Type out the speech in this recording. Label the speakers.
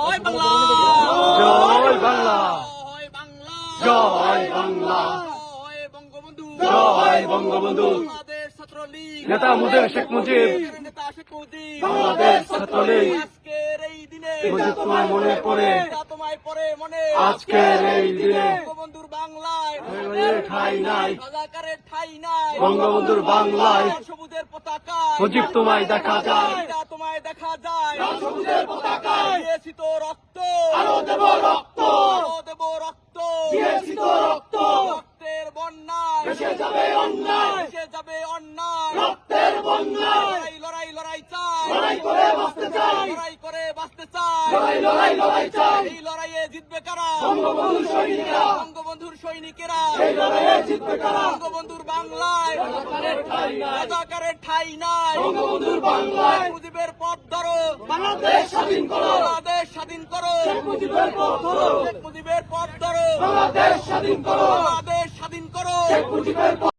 Speaker 1: জয় বাংলা,
Speaker 2: জয় বাংলা,
Speaker 1: জয় বাংলা,
Speaker 2: জয় বাংলা,
Speaker 1: জয় বঙ্গবন্ধু,
Speaker 2: জয় বঙ্গবন্ধু,
Speaker 1: বাংলাদেশ ছাত্রলীগ,
Speaker 2: নেতা মুজিব শেখ মুজিব,
Speaker 1: নেতা শেখ মুজিব,
Speaker 2: বাংলাদেশ ছাত্রলীগ,
Speaker 1: আজকের এই দিনে
Speaker 2: মুজিব তোমায় মনে পড়ে,
Speaker 1: তোমায় পরে মনে,
Speaker 2: আজকের এই দিনে
Speaker 1: বঙ্গবন্ধুর বাংলায়
Speaker 2: ঠাই নাই,
Speaker 1: রাজাকারের ঠাই নাই,
Speaker 2: বঙ্গবন্ধুর বাংলায়
Speaker 1: সবুজের পতাকা,
Speaker 2: মুজিব তোমায় দেখা যায়,
Speaker 1: তোমায় দেখা যায়,
Speaker 2: সবুজের পতাকায়
Speaker 1: দিয়েছি তো রক্ত,
Speaker 2: আরো দেব রক্ত,
Speaker 1: আরো দেব রক্ত,
Speaker 2: দিয়েছি তো রক্ত,
Speaker 1: রক্তের বন্যায়
Speaker 2: ভেসে যাবে অন্যায়,
Speaker 1: ভেসে যাবে অন্যায়,
Speaker 2: রক্তের বন্যায়,
Speaker 1: লড়াই লড়াই লড়াই চাই,
Speaker 2: লড়াই করে বাঁচতে চাই,
Speaker 1: লড়াই করে বাঁচতে চাই,
Speaker 2: লড়াই লড়াই লড়াই চাই,
Speaker 1: এই লড়াইয়ে জিতবে কারা,
Speaker 2: বঙ্গবন্ধুর সৈনিকরা,
Speaker 1: বঙ্গবন্ধুর সৈনিকেরা,
Speaker 2: এই লড়াইয়ে জিতবে কারা,
Speaker 1: বঙ্গবন্ধুর বাংলায়
Speaker 2: রাজাকারের ঠাই নাই,
Speaker 1: রাজাকারের ঠাই নাই,
Speaker 2: বঙ্গবন্ধুর বাংলায়
Speaker 1: মুজিবের পথ ধরো,
Speaker 2: বাংলাদেশ স্বাধীন করো,
Speaker 1: বাংলাদেশ স্বাধীন করো,
Speaker 2: শেখ মুজিবের পথ ধরো,
Speaker 1: শেখ মুজিবের পথ ধরো,
Speaker 2: বাংলাদেশ স্বাধীন করো,
Speaker 1: বাংলাদেশ স্বাধীন করো,
Speaker 2: শেখ মুজিবের